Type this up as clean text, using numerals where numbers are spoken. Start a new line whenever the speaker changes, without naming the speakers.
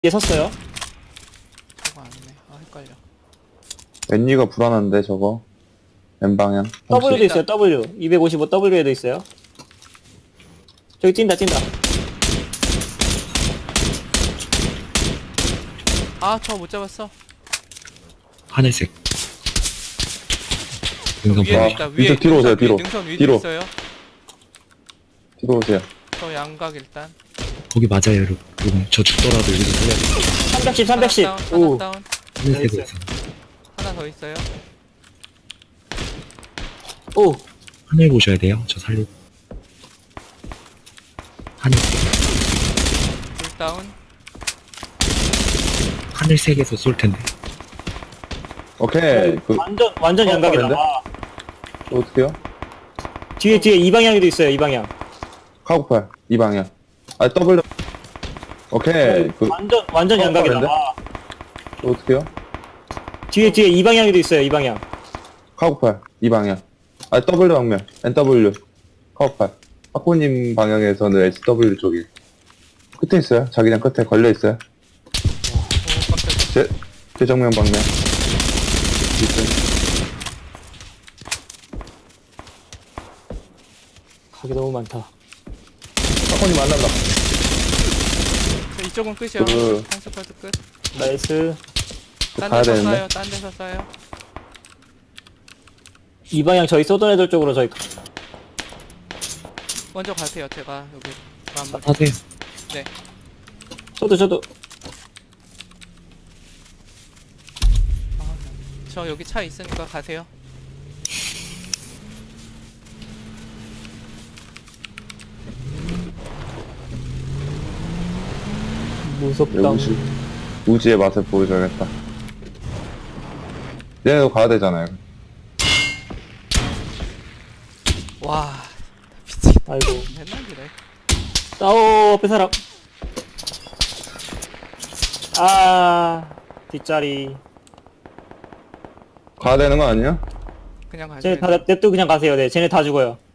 뒤에 섰어요.
저거 아니네. 아 헷갈려.
웬리가 불안한데 저거 N방향
W도
있다.
있어요. W 255 W에도 있어요. 저기 뛴다.
아 저 못 잡았어.
하늘색. 능선
위에
봐.
바위.
있다.
밑에
위에
뒤로 오세요, 뒤로.
능선 위에
뒤로.
있어요.
뒤로 오세요.
저 양각 일단.
거기 맞아요, 여러분. 저 죽더라도 여기서 살려야 돼.
310.
하나
오.
다운.
하늘색으로 있어.
하나 더 있어요.
오.
하늘 보셔야 돼요. 저 살리고. 하늘색.
둘 다운.
하늘색에서 쏠 텐데.
오케이. 그
완전 양각이다.
다른데?
아,
어떻게요?
뒤에 이 방향에도 있어요. 이 방향.
카고팔 이 방향. 아 W. 오케이. 그
완전 양각이다.
다른데?
아,
어떻게요?
뒤에 이 방향에도 있어요. 이 방향.
카고팔 이 방향. 아 W 방면 NW 카고팔. 하코님 방향에서는 SW 쪽이 끝에 있어요. 자기장 끝에 걸려 있어요.
오 깜짝이야.
제 정면 방면. 있어요.
각이 너무 많다.
하코님 만난다.
저 이쪽은 끝이요.
그-
한 스쿼드 끝.
나이스.
딴
가야
데서
되는데.
쏴요. 딴 데서 쏴요.
이 방향 저희 쏘던 애들 쪽으로 저희
먼저 가세요. 제가 여기 한번.
하세요.
저도
저 여기 차 있으니까 가세요.
무섭다.
우지의 맛을 보여줘야겠다. 얘네도 가야 되잖아요.
와 미치겠다.
아이고.
맨날 그래.
싸워 앞에 사람. 아 뒷자리.
가야 되는 거 아니야?
그냥 가세요.
쟤네 다 냅두 그냥 가세요. 네, 쟤네 다 죽어요.